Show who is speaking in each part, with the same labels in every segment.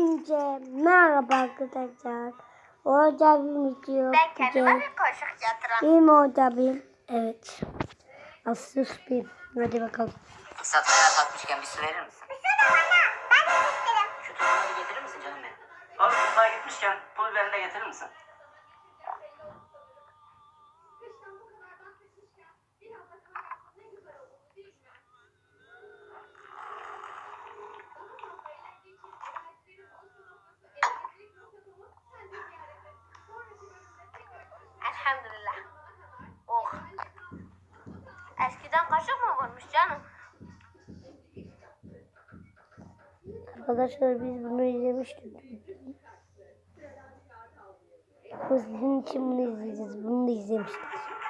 Speaker 1: Hepinize merhaba arkadaşlar. Orada bir video
Speaker 2: Ben kendime bir kaşık yatıram.
Speaker 1: Benim orada bir. Evet. Asus bir. Hadi bakalım.
Speaker 3: Satmaya kalkmışken bir su verir misin?
Speaker 2: Bir sene bana. Ben de isterim.
Speaker 3: Şu tuzunu bir getirir misin canım benim? Oğlum mutfağa gitmişken pul biberini de getirir misin?
Speaker 2: Elhamdülillah. Oh. Eskiden kaşık mı varmış canım?
Speaker 1: Arkadaşlar biz bunu izlemiştik. Sizin için bunu izleyeceğiz. Bunu da izlemiştik.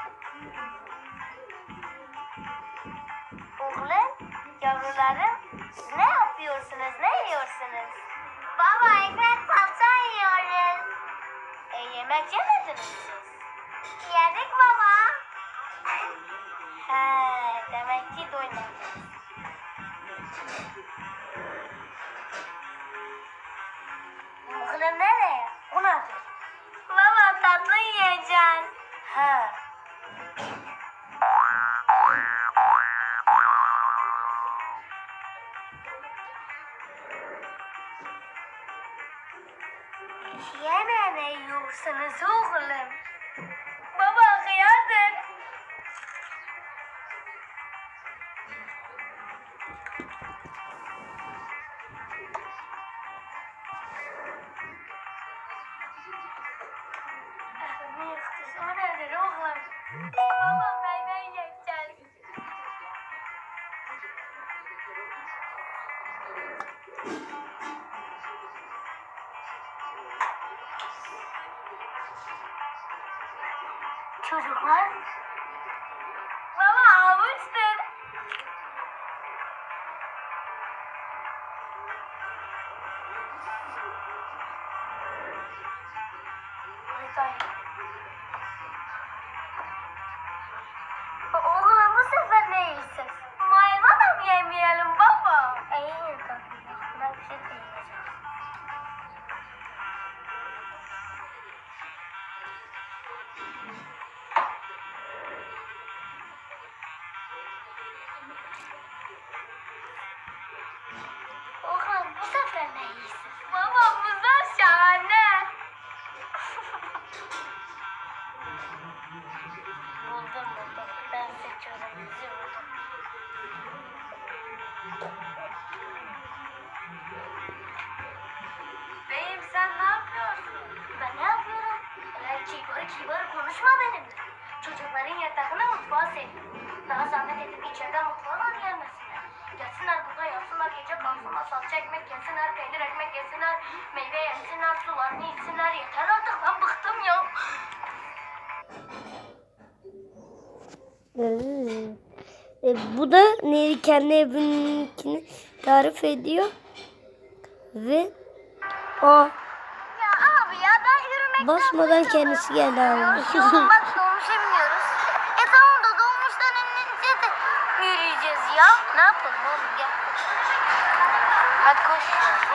Speaker 2: Oğlum, yavrularım, siz ne yapıyorsunuz, ne yiyorsunuz? Baba, ekmek salça yiyoruz. Yemek yemediniz siz? Yedik baba. He, demek ki doymadınız. Oğlum nereye? O nedir? Baba, tatlı yiyeceksin. He. Yine ne yiyorsunuz oğlum? Baba hıyardır. O nedir oğlum? Baba meyve yiyeceğiz. Çocuklar. Baba havuçtur. Oğlum bu sefer ne yiyorsun? Mayva da mı yemeyelim baba? İyi tabii. Ben bir şey de yiyeceğim. Oğlum bu sefer ne yiyorsun? Baba bunlar şahane. Buldum. Ben seçiyorum. Bizi buldum. Beyim sen ne yapıyorsun? Ben ne yapıyorum? Öyle kibar konuşma benimle. Çocukların yatağına mutfağa sevdim. Daha zahmet edip içeriden mutfağa gelmesinler. Gelsinler burada yatsınlar, gece kalsınlar, salça ekmek yesinler, peynir ekmek yesinler, meyve yesinler, sularını içsinler. Yeter artık, ben bıktım ya.
Speaker 1: Bu da Neri kendi evininkini tarif ediyor. Ve o
Speaker 2: Ya abi ya ben yürümekten
Speaker 1: basmadan kendisi geldi abi.
Speaker 2: Oğlum bak dolmuşa biniyoruz. Tamam da dolmuştan inince de yürüyeceğiz ya. Ne yapalım oğlum gel. Hadi koş.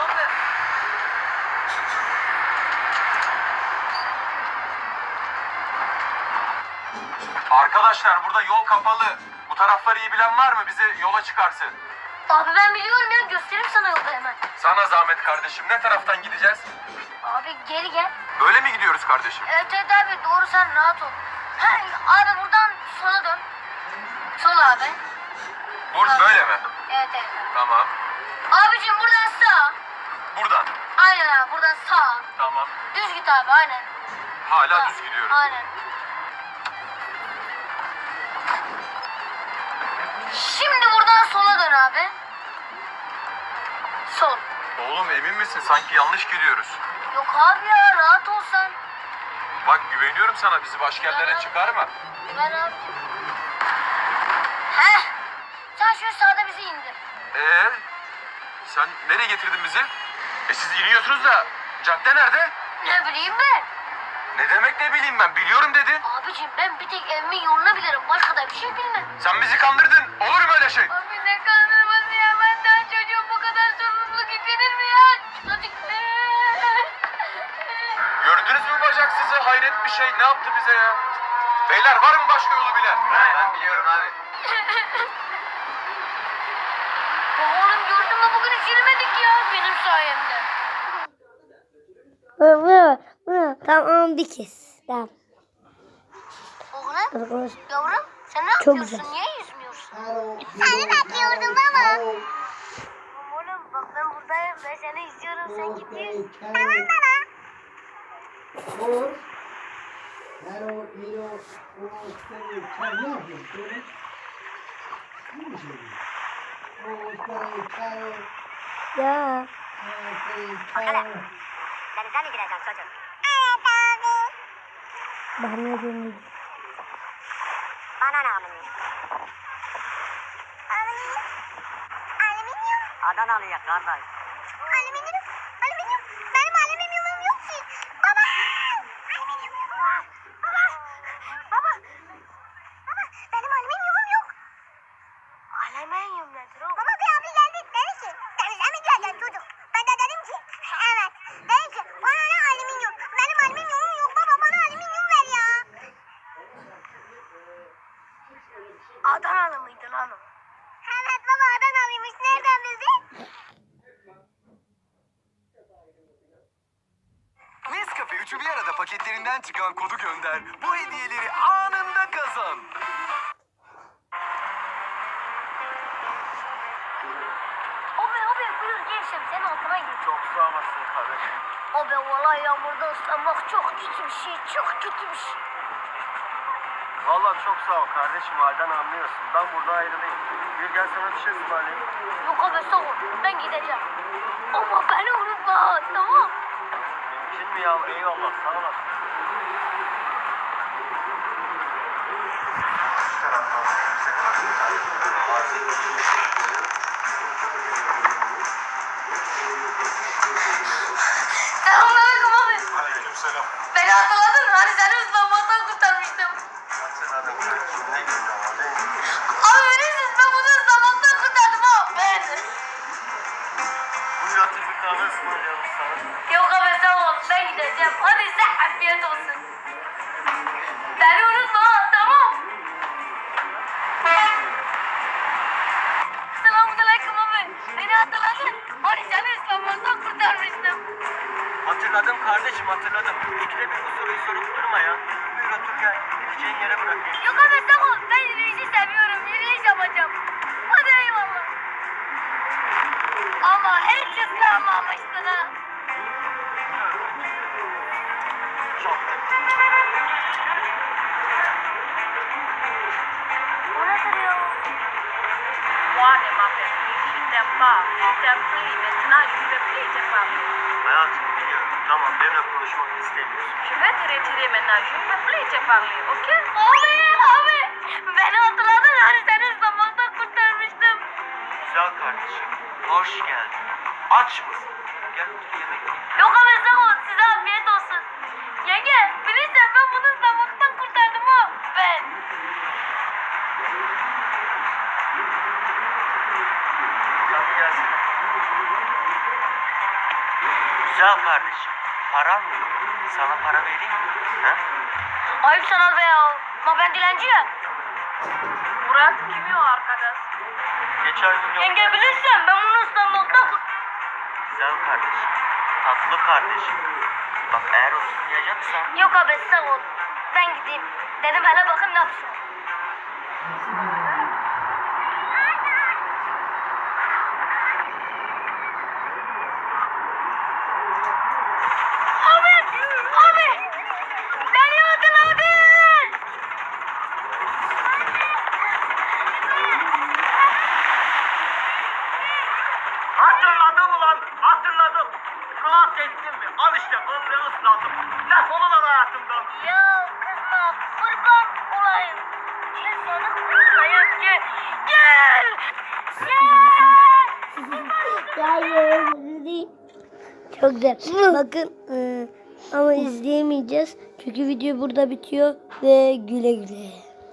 Speaker 4: Arkadaşlar burada yol kapalı. Bu tarafları iyi bilen var mı? Bize yola çıkarsın.
Speaker 2: Abi ben biliyorum ya göstereyim sana yolda hemen.
Speaker 4: Sana zahmet kardeşim. Ne taraftan gideceğiz?
Speaker 2: Abi geri gel.
Speaker 4: Böyle mi gidiyoruz kardeşim?
Speaker 2: Evet abi doğru sen rahat ol. Abi buradan sola dön. Sol abi.
Speaker 4: Böyle mi?
Speaker 2: Evet.
Speaker 4: Tamam.
Speaker 2: Abicim buradan sağ.
Speaker 4: Buradan.
Speaker 2: Aynen abi buradan sağ.
Speaker 4: Tamam.
Speaker 2: Düz git abi aynen.
Speaker 4: Hala düz gidiyoruz.
Speaker 2: Aynen. Şimdi buradan sola dön abi. Sol.
Speaker 4: Oğlum emin misin? Sanki yanlış gidiyoruz.
Speaker 2: Yok abi ya rahat ol sen.
Speaker 4: Bak güveniyorum sana. Bizi başka yerlere çıkarma.
Speaker 2: Ben abi. Heh. Sen şu sağda bizi indir.
Speaker 4: Sen nereye getirdin bizi? Siz iniyorsunuz da cadde nerede?
Speaker 2: Ne bileyim ben.
Speaker 4: Ne demek ne bileyim ben? Biliyorum dedin.
Speaker 2: Abicim ben bir tek evimin yolunu bilirim. Başka da bir şey bilmem.
Speaker 4: Sen bizi kandırdın. Olur mu öyle şey?
Speaker 2: Abi ne kandırması ya? Ben daha çocuğum bu kadar sorumluluk yüklenir mi ya? Çocuk ne?
Speaker 4: hayret bir şey. Ne yaptı bize ya? Beyler var mı başka yolu bilen? Ben biliyorum abi.
Speaker 2: Oğlum gördün mü bugün hiç yürümedik ya benim sayemde.
Speaker 1: Tamam bir kez. Tamam.
Speaker 2: Oğlum
Speaker 1: Arkadaş,
Speaker 2: yavrum sen ne
Speaker 1: Çok
Speaker 2: yapıyorsun?
Speaker 1: güzel.
Speaker 2: Niye yüzmüyorsun? Seni bekliyordum baba. Oğlum bak ben buradayım. Ben seni izliyorum. Sen git yüz. Tamam baba.
Speaker 1: ya.
Speaker 2: Denize mi gireceksin çocuk?
Speaker 1: Ben ne diyeyim?
Speaker 2: Bana ne alüminyum? Alüminyum? Adanalı'ya kardeş. Alüminyum? Alüminyum? Benim alüminyumum yok ki. Baba! Alüminyum yok. Baba! Baba! Baba! Benim alüminyumum yok. Alüminyum nedir o? Baba bir abi geldi. Dedi ki denize mi gireceksin çocuk? Ben de dedim ki evet. Dedi ki bana ne alüminyum? Benim alüminyumum yok baba. Bana alüminyum ver ya. Adanalı mıydı lan o? Evet baba Adanalıymış. Nereden bildin?
Speaker 5: Nescafe üçü bir arada paketlerinden çıkan kodu gönder. Bu hediyeleri anında kazan.
Speaker 2: Abi buyur gençim senin altına gir.
Speaker 4: Çok sağ olasın kardeşim.
Speaker 2: Abi vallahi yağmurda ıslanmak çok kötü bir şey. Çok kötü bir şey.
Speaker 4: Vallahi çok sağ ol kardeşim. Halden anlıyorsun. Ben burada ayrılayım. Bir gel sana bir şey ısmarlayayım.
Speaker 2: Yok abi sağ ol. Ben gideceğim. Ama beni unutma tamam.
Speaker 4: Mümkün mü ya? Eyvallah sağ olasın. Şu taraftan bize
Speaker 2: Selamünaleyküm abi.
Speaker 4: Aleykümselam.
Speaker 2: Beni hatırladın. Hani seni ıslanmaktan kurtarmıştım.
Speaker 4: Hatırladım kardeşim. Ne günler var değil mi?
Speaker 2: Abi verirsiniz ben bunu ıslanmaktan kurtardım ha. Ben.
Speaker 4: Bu yatır bir kahve ısmarlayalım sana.
Speaker 2: Yok abi sağ ol. Ben gideceğim. Hadi sen afiyet olsun. Beni unutma ha, tamam. Selamünaleyküm abi. Beni hatırladın. Hani seni ıslanmaktan kurtarmıştım.
Speaker 3: Hatırladım kardeşim hatırladım. İkide bir bu soruyu sorup durma ya. Buyur otur gel. Gideceğin yere bırakayım.
Speaker 2: Yok abi sağ ol. Ben yürüyüşü seviyorum. Yürüyüş yapacağım. Hadi eyvallah. Ama hiç ıslanmamıştın ha.
Speaker 3: Çok.
Speaker 2: O nedir ya?
Speaker 6: Moi ne m'appelle plus, je t'aime pas, je t'aime plus, maintenant je ne veux plus te parler.
Speaker 3: Hayatım biliyorum. Tamam benimle konuşmak istemiyorsun.
Speaker 6: Je vais te retirer maintenant, je ne veux plus te parler, ok?
Speaker 2: Abi beni hatırladın hani seni ıslanmaktan kurtarmıştım.
Speaker 3: Güzel kardeşim. Hoş geldin. Aç mısın? Gel otur yemek ye.
Speaker 2: Yok abi sağ ol size afiyet olsun. Yenge bilirsen ben bunu ıslanmaktan kurtardım ha. Ben.
Speaker 3: Sen bir gelsene. Güzel kardeşim. Paran mı yok? Sana para vereyim mi? Ha?
Speaker 2: Ayıp sana be ya. Ama ben dilenci ya.
Speaker 6: Murat kim o arkadaş?
Speaker 3: Geçen gün yok.
Speaker 2: Yenge bilirsen ben bunu ıslanmaktan
Speaker 3: Güzel kardeşim. Tatlı kardeşim. Bak eğer oturmayacaksan
Speaker 2: Yok abi sağ ol. Ben gideyim. Dedim hele bakın ne yapsın. Abi! Beni hatırladın!
Speaker 3: hatırladım ulan hatırladım. Rahat ettin mi? Al işte komple ıslandım. Defol ulan hayatımdan.
Speaker 2: Ya kızma kurban olayım. Gel seni kurtarayım gel. Gel! Gel!
Speaker 1: Çok güzel. Bakın ama izleyemeyeceğiz. Çünkü video burada bitiyor ve güle güle.